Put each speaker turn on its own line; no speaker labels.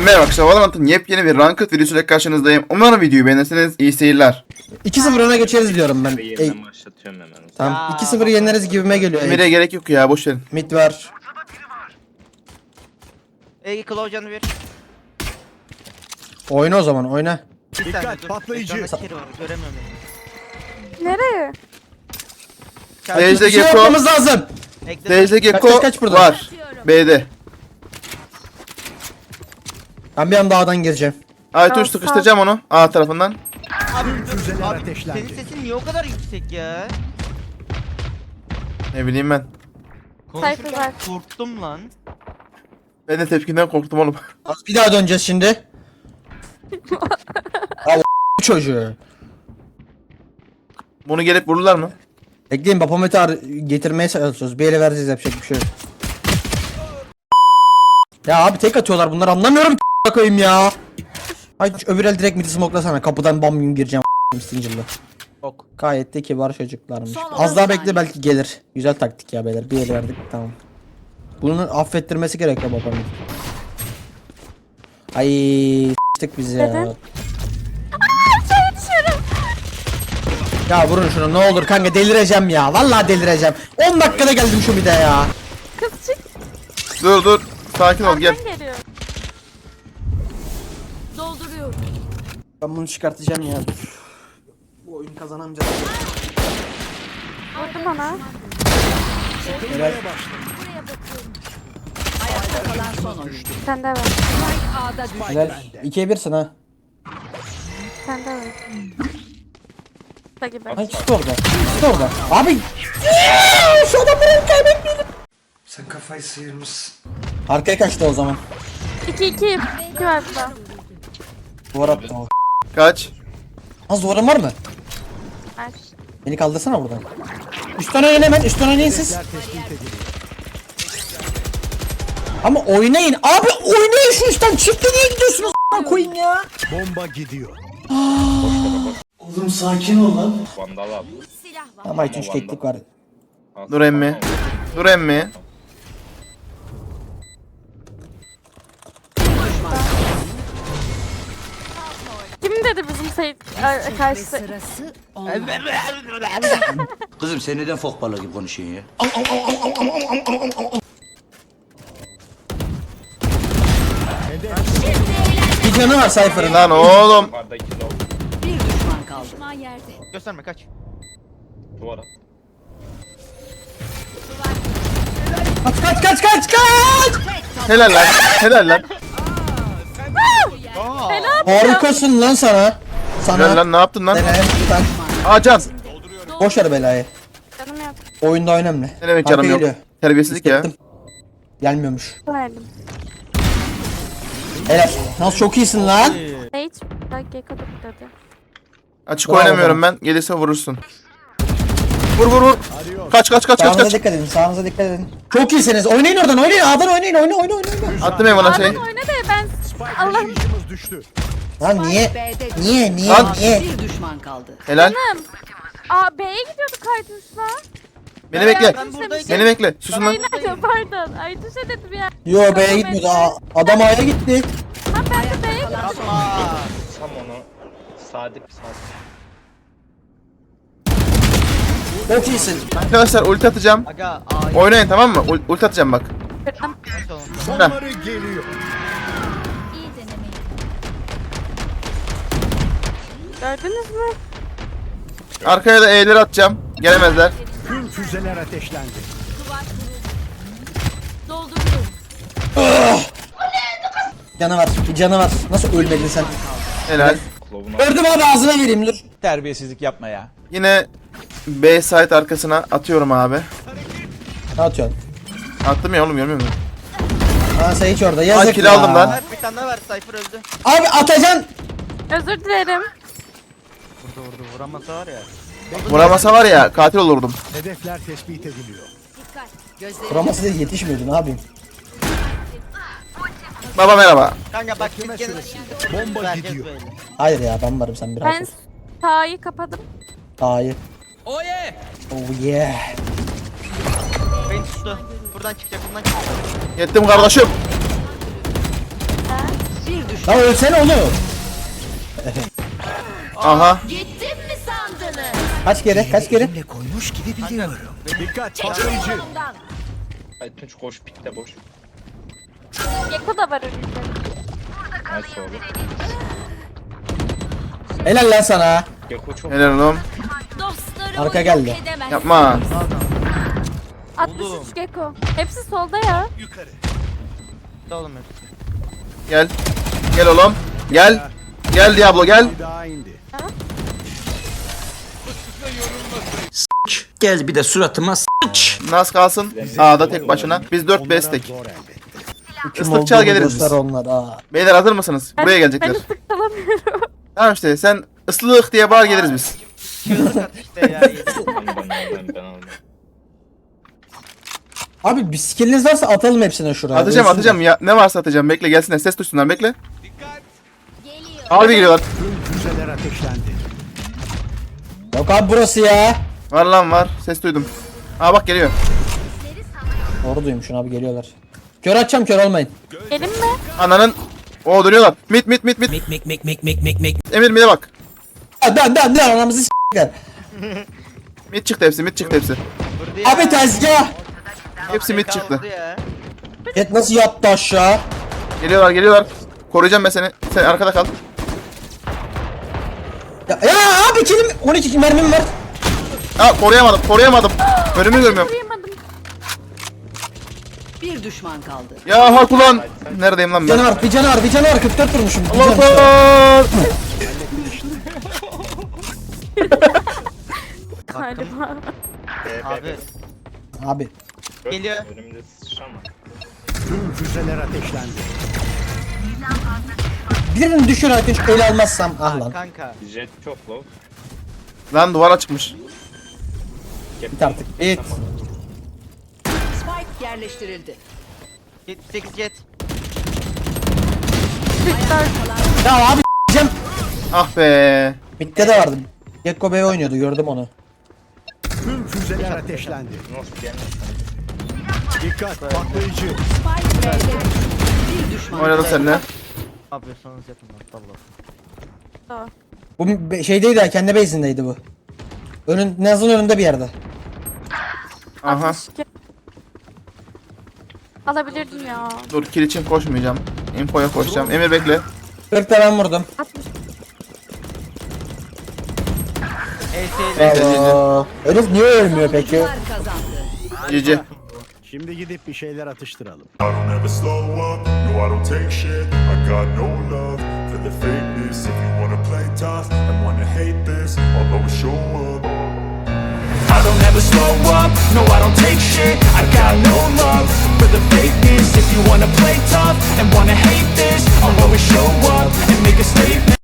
Merhaba arkadaşlar, Valorant'ın yepyeni bir Ranked videosuyla karşınızdayım. Umarım videoyu beğenirsiniz. İyi seyirler.
2-0 öne geçeriz diyorum ben.
Yeniden başlatıyorum hemen.
Tamam. 2-0 yeneriz gibime geliyor.
Emir'e gerek yok ya, boş verin.
Mid var.
Ege Claw canı bir.
Oyna o zaman oyna.
Bir saniye dur.
patlayıcı.
Ekranda kiri var, göremiyorum beni.
Nereye?
Seyirci
Bir şey
Gekko,
yapmamız lazım.
Ekle.
Seyirci Gekko
kaç burada?
var. B'de.
Ben bir anda A'dan gireceğim.
Aytuş sıkıştıracağım onu A tarafından.
Abi,
Füzeler
abi
ateşlendi.
senin sesin niye o kadar yüksek ya?
Ne bileyim ben.
Konuşurken
Cypher var.
korktum lan.
Ben de tepkinden korktum oğlum.
Bir daha döneceğiz şimdi. Al çocuğu.
Bunu gelip vururlar mı?
Bekleyin Bapomet'i getirmeye çalışıyoruz. Bir ele vereceğiz, yapacak bir şey yok. Ya abi tek atıyorlar bunlar, anlamıyorum koyayım ya. Ay öbür el direkt midi smoke'lasana, kapıdan bam gün gireceğim Stinger'lı.
Ok.
Gayet de kibar çocuklarmış. Az daha bekle, belki gelir. Güzel taktik ya beyler, bir el verdik tamam. Bunu affettirmesi gerekiyor babamın. Ay s**tık bizi ya.
Neden?
Ya vurun şunu ne olur kanka, delireceğim ya. Vallahi delireceğim. 10 dakikada geldim şu mide ya.
Kız çık.
Dur sakin ol, gel.
Arkan geliyor. Dolduruyorum.
Ben bunu çıkartacağım ya. Bu oyun kazanamayacağız.
Vurdu bana.
Helal.
Sen de var.
Helal. 2'ye 1'sin ha.
Sen de var. Da gibi.
Ay işte orada. İşte orada. Abi. Şu adamları kaybetmeyelim.
Sen kafayı sıyırmışsın.
Arkaya kaçtı o zaman.
2-2. 2 var burada.
Duvar attı o.
Kaç.
Az duvarın var mı?
Ver.
Beni kaldırsana buradan. Üstten oynayın hemen. Üstten oynayın siz. Ama oynayın. Abi oynayın şu üstten. Çifte niye gidiyorsunuz? Koyayım ya.
Bomba gidiyor.
Oğlum sakin ol lan.
Vandal al.
Ama 3 teklik var.
Al,
Dur emmi. Dur emmi.
Kim dedi bizim karşısı?
Kızım sen neden fok balığı gibi konuşuyorsun ya?
Bir canı var Cypher'ın.
Lan oğlum.
Yukarıda iki low.
Gösterme kaç.
Duvara.
Kaç.
Helal lan. Helal lan.
Harikasın lan sana.
Helal lan, ne yaptın lan?
Helal.
Aa can.
Boş ver belayı.
Canım yok.
Oyunda önemli.
Ne demek
Arka
canım yok.
geliyor.
Terbiyesizlik ya.
Hissettim. Gelmiyormuş.
Verdim.
Helal. Nasıl çok iyisin lan.
Hiç. Bak Gekko da burada.
Açık
Bravo
oynamıyorum
bana.
ben. Gelirse vurursun. Vur. Kaç.
Sağınıza dikkat edin. Sağınıza dikkat edin. Çok iyisiniz. Oynayın oradan. Oynayın. A'dan oynayın. Oyna.
Attım Evan'a şey.
Adam oyna da ben Allah
Taşıyıcımız düştü.
Lan niye?
Lan.
Bir düşman kaldı.
Helal.
canım. Aa B'ye gidiyorduk Aytuş'la.
Beni bekle.
Ben buradayım.
Beni bekle. Susun lan.
Aynen pardon. Aytuş'a dedim ya.
Yo B'ye gitmedi. Adam A'ya gitti.
Ha ben de B'ye gittim.
Tam onu. Sadık.
Çok iyisin.
Arkadaşlar ulti atacağım.
Aga ay.
Oynayın, tamam mı? Ulti atacağım bak.
Kırdım.
Sonları geliyor.
Gördünüz mü?
Arkaya da E'leri atacağım. Gelemezler.
Tüm füzeler ateşlendi.
Canı var. Bir canı var. Nasıl ölmedin sen?
Helal.
Clove'un
Gördüm abi, ağzına vereyim dur.
Terbiyesizlik yapma ya.
Yine B site arkasına atıyorum abi.
Ne atıyorsun?
Attım ya oğlum, görmüyor musun?
Aa sen hiç orada. Yazık
kill
ya.
aldım lan.
Ver bir tane daha ver. Cypher öldü.
Abi atacaksın.
Özür dilerim.
Vurdu vuramasa var ya.
Vuramasa var ya, katil olurdum.
Hedefler tespit ediliyor.
Kuraması değil, yetişmiyordun abim.
Baba merhaba.
Kanka bak
Bekleme
gene
süresi. Bomba
herkes
gidiyor.
böyle.
Hayır ya, ben varım, sen biraz.
Ben sağı kapadım.
Hayır. Oh yeah.
Beni tuttu. Buradan çıkacak.
Yettim kardeşim.
Lan ölsene oğlum.
Aha.
Gittim mi sandınız?
Kaç kere kaç kere?
Dikkat patlayıcı.
Ay Tunç koş pikte boş.
Gekko da var önünde.
Nice oğlum.
Helal lan sana.
Gekko çok.
Helal oğlum.
Dostlarımı
Arka geldi.
yok edemez.
Yapma.
63 Gekko. Hepsi solda ya.
Oğlum hepsi.
Gel. Gel oğlum. Gel. Gel Diablo gel.
Bir daha indi.
Gel bir de suratıma s**ç.
Nas kalsın. A'da tek başına. Biz 4
Onlara
bestek.
zor elbette.
Kim
Islık çal
olduğunu
geliriz
göster
biz.
onlar. Aa.
Beyler hazır mısınız? Buraya
Ben
gelecekler.
ıslık çalamıyorum.
Tamam işte sen ıslık diye bağır geliriz biz.
Çığlık at işte ya.
Ben aldım.
Abi bir skilliniz varsa atalım hepsine şuraya.
Atacağım
Ölsünler.
atacağım ya. Ne varsa atacağım. Bekle gelsinler. Ses duysunlar bekle.
Geliyor.
Harbi geliyorlar.
Tüm füzeler ateşlendi.
Yok abi burası ya.
Var lan var. Ses duydum. Aa bak geliyor.
Doğru duymuşsun abi geliyorlar. Kör atacağım kör olmayın.
Gelin mi?
Ananın. Oo dönüyorlar. Mit. Emir mid'e bak.
Dan anamızı s***ler.
Mid çıktı hepsi. Mid çıktı hepsi.
Vurdu ya.
Abi tezgah.
Hepsi mid çıktı.
Vurdu ya.
Et nasıl yattı aşağı?
Geliyorlar. Koruyacağım ben seni. Sen arkada kal.
Ya abi kilim 12 mermim var.
Aa koruyamadım. Önümü görmüyorum.
Duyamadım.
Bir düşman kaldı.
Ya hak ulan. Neredeyim lan ben?
Bir canı var 44 vurmuşum. Bir
Allah
canı var.
Allah.
Galiba.
Abi
Abi
geliyor.
Önümde sıçrama.
Tüm füzeler ateşlendi.
birini düşür artık ele almazsam ah lan.
Kanka.
Jet çok low.
Lan duvara çıkmış.
Bit artık bit.
Spike yerleştirildi.
78 jet.
Ya abi s**eceğim.
Ah be.
Bitte de vardı. Gekko Bey oynuyordu gördüm onu.
Tüm füzeler ateşlendi.
Nasıl gelmiş?
Dikkat patlayıcı.
Spike B'de bir düşman
Oynadım seninle.
Ne yapıyorsanız yapın lan. Allah.
Bu şeydeydi ha kendi base'indeydi bu. Naz'ın önünde bir yerde.
Aha.
62. Alabilirdim ya.
Dur kill için koşmayacağım. Infoya koşacağım. Emir bekle.
40 da ben vurdum.
60.
Bravo. Herif niye ölmüyor peki?
Savunucular kazandı.
GG.
Şimdi gidip bir şeyler atıştıralım.
I don't ever slow up, no I don't take shit. I got no love for the fakeness. If you wanna play tough and wanna hate this, I'll always show up. I don't ever slow up, no I don't take shit. I got no love for the fakeness. If you wanna play tough and wanna hate this, I'll always show